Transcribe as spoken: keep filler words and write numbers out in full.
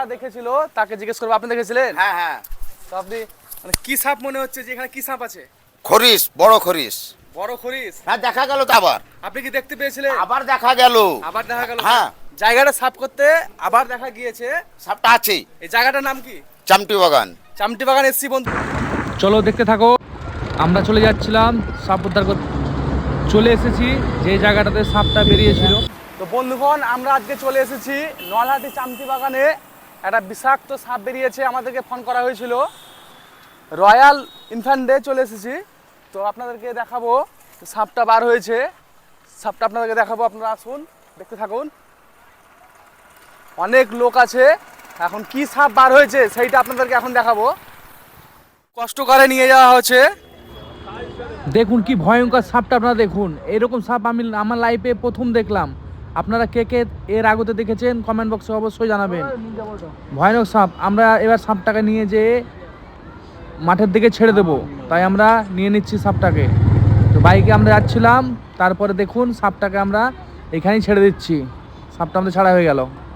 দেখেছিল তাকে জিজ্ঞেস করবো, আপনি দেখেছিলেন? হ্যাঁ হ্যাঁ। তো আপনি মানে কি সাপ মনে হচ্ছে যে এখানে কি সাপ আছে? খরিস, বড় খরিস। বড় খরিস? হ্যাঁ দেখা গেল তো আবার। আপনি কি দেখতে পেয়েছিলেন? আবার দেখা গেল। আবার দেখা গেল? হ্যাঁ। জায়গাটা সাফ করতে আবার দেখা গিয়েছে। সাপটা আছে। এই জায়গাটার নাম কি? চামটি বাগান। চামটি বাগান এসছি বন্ধু। চলো দেখতে থাকো। আমরা চলে যাচ্ছিলাম সাপ উদ্ধার করতে, চলে এসেছি যে জায়গাটাতে সাপটা বেরিয়েছিল। তো বন্ধুগণ, আমরা আজকে চলে এসেছি নলহাটি চামটি বাগানে। একটা বিষাক্ত সাপ বেরিয়েছে, আমাদেরকে ফোন করা হয়েছিল। রয়্যাল ইনফ্যান্টে চলে এসেছি। তো আপনাদেরকে দেখাবো সাপটা বার হয়েছে। সাপটা আপনাদেরকে দেখাবো, আপনারা আসুন দেখতে থাকুন। অনেক লোক আছে, এখন কি সাপ বার হয়েছে সেইটা আপনাদেরকে এখন দেখাবো। কষ্ট করে নিয়ে যাওয়া হচ্ছে। দেখুন কি ভয়ঙ্কর সাপটা, আপনারা দেখুন। এরকম সাপ আমি আমার লাইফে প্রথম দেখলাম। আপনারা কে কে এর আগতে দেখেছেন কমেন্ট বক্সে অবশ্যই জানাবেন। ভয়ানক সাপ। আমরা এবার সাপটাকে নিয়ে যেয়ে মাঠের দিকে ছেড়ে দেবো, তাই আমরা নিয়ে নিচ্ছি সাপটাকে। তো বাইকে আমরা যাচ্ছিলাম, তারপরে দেখুন সাপটাকে আমরা এখানেই ছেড়ে দিচ্ছি। সাপটা আমাদের ছাড়া হয়ে গেল।